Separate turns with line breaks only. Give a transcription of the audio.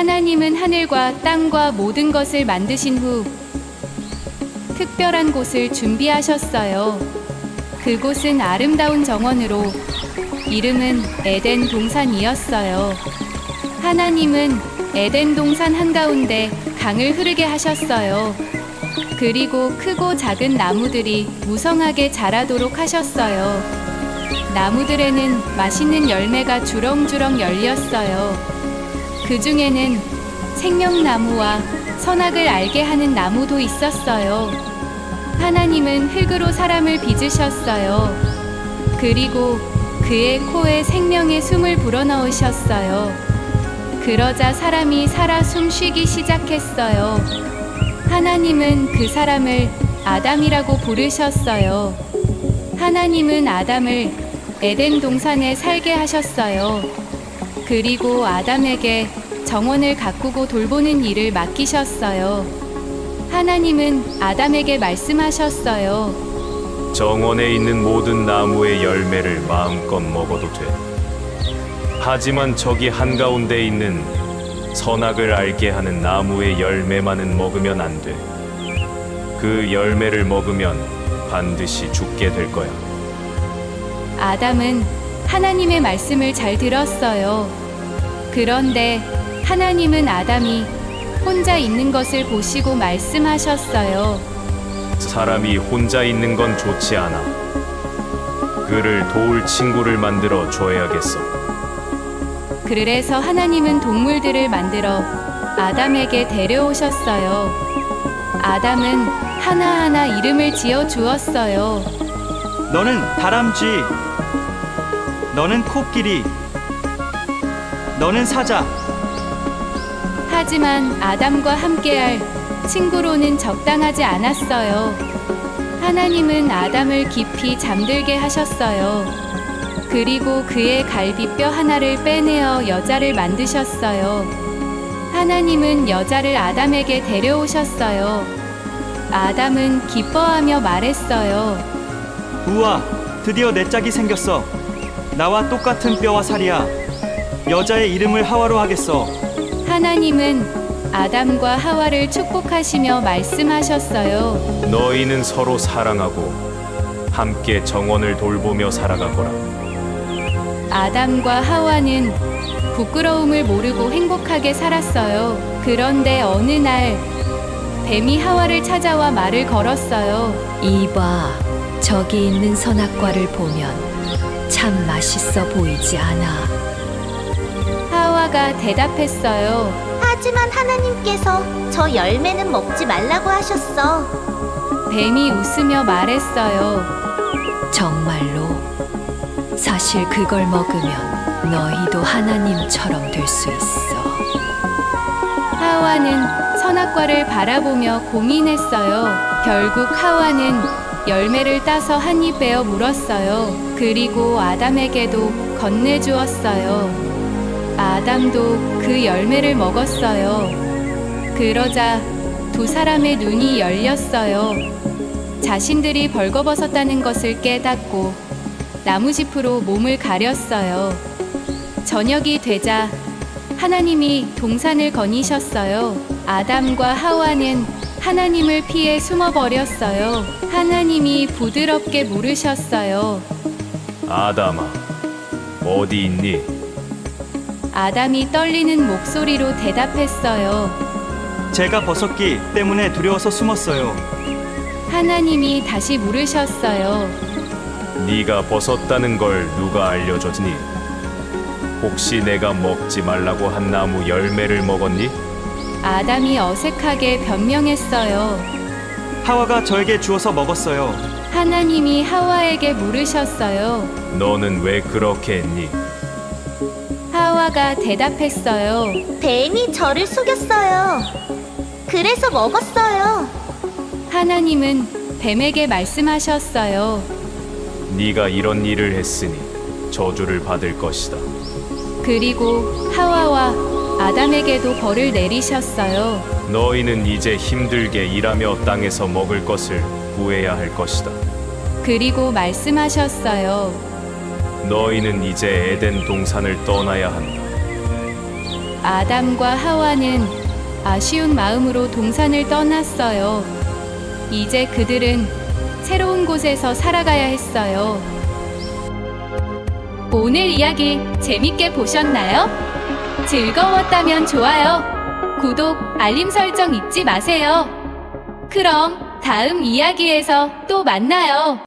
하나님은 하늘과 땅과 모든 것을 만드신 후 특별한 곳을 준비하셨어요. 그곳은 아름다운 정원으로 이름은 에덴 동산이었어요. 하나님은 에덴 동산 한가운데 강을 흐르게 하셨어요. 그리고 크고 작은 나무들이 무성하게 자라도록 하셨어요. 나무들에는 맛있는 열매가 주렁주렁 열렸어요. 그 중에는 생명나무와 선악을 알게 하는 나무도 있었어요. 하나님은 흙으로 사람을 빚으셨어요. 그리고 그의 코에 생명의 숨을 불어넣으셨어요. 그러자 사람이 살아 숨쉬기 시작했어요. 하나님은 그 사람을 아담이라고 부르셨어요. 하나님은 아담을 에덴 동산에 살게 하셨어요. 그리고 아담에게 정원을 가꾸고 돌보는 일을 맡기셨어요. 하나님은 아담에게 말씀하셨어요.
정원에 있는 모든 나무의 열매를 마음껏 먹어도 돼. 하지만 저기 한가운데 있는 선악을 알게 하는 나무의 열매만은 먹으면 안 돼. 그 열매를 먹으면 반드시 죽게 될 거야.
아담은 하나님의 말씀을 잘 들었어요. 그런데 하나님은 아담이 혼자 있는 것을 보시고 말씀하셨어요.
사람이 혼자 있는 건 좋지 않아. 그를 도울 친구를 만들어 줘야겠어.
그래서 하나님은 동물들을 만들어 아담에게 데려오셨어요. 아담은 하나하나 이름을 지어 주었어요.
너는 다람쥐, 너는 코끼리, 너는 사자.
하지만 아담과 함께할 친구로는 적당하지 않았어요. 하나님은 아담을 깊이 잠들게 하셨어요. 그리고 그의 갈비뼈 하나를 빼내어 여자를 만드셨어요. 하나님은 여자를 아담에게 데려오셨어요. 아담은 기뻐하며 말했어요.
우와, 드디어 내 짝이 생겼어. 나와 똑같은 뼈와 살이야. 여자의 이름을 하와로 하겠어.
하나님은 아담과 하와를 축복하시며 말씀하셨어요.
너희는 서로 사랑하고 함께 정원을 돌보며 살아가거라.
아담과 하와는 부끄러움을 모르고 행복하게 살았어요. 그런데 어느 날 뱀이 하와를 찾아와 말을 걸었어요.
이봐, 저기 있는 선악과를 보면 참 맛있어 보이지 않아?
하와가 대답했어요.
하지만 하나님께서 저 열매는 먹지 말라고 하셨어.
뱀이 웃으며 말했어요.
정말로? 사실 그걸 먹으면 너희도 하나님처럼 될 수 있어.
하와는 선악과를 바라보며 고민했어요. 결국 하와는 열매를 따서 한 입 베어 물었어요. 그리고 아담에게도 건네주었어요. 아담도 그 열매를 먹었어요. 그러자 두 사람의 눈이 열렸어요. 자신들이 벌거벗었다는 것을 깨닫고 나무짚으로 몸을 가렸어요. 저녁이 되자 하나님이 동산을 거니셨어요. 아담과 하와는 하나님을 피해 숨어버렸어요. 하나님이 부드럽게 물으셨어요.
아담아, 어디 있니?
아담이 떨리는 목소리로 대답했어요.
제가 벗었기 때문에 두려워서 숨었어요.
하나님이 다시 물으셨어요.
네가 벗었다는 걸 누가 알려줬니? 혹시 내가 먹지 말라고 한 나무 열매를 먹었니?
아담이 어색하게 변명했어요.
하와가 저에게 주어서 먹었어요.
하나님이 하와에게 물으셨어요.
너는 왜 그렇게 했니?
하와가 대답했어요.
뱀이 저를 속였어요. 그래서 먹었어요.
하나님은 뱀에게 말씀하셨어요.
네가 이런 일을 했으니 저주를 받을 것이다.
그리고 하와와 아담에게도 벌을 내리셨어요.
너희는 이제 힘들게 일하며 땅에서 먹을 것을 구해야 할 것이다.
그리고 말씀하셨어요.
너희는 이제 에덴 동산을 떠나야 한다.
아담과 하와는 아쉬운 마음으로 동산을 떠났어요. 이제 그들은 새로운 곳에서 살아가야 했어요. 오늘 이야기 재밌게 보셨나요? 즐거웠다면 좋아요, 구독, 알림 설정 잊지 마세요. 그럼 다음 이야기에서 또 만나요.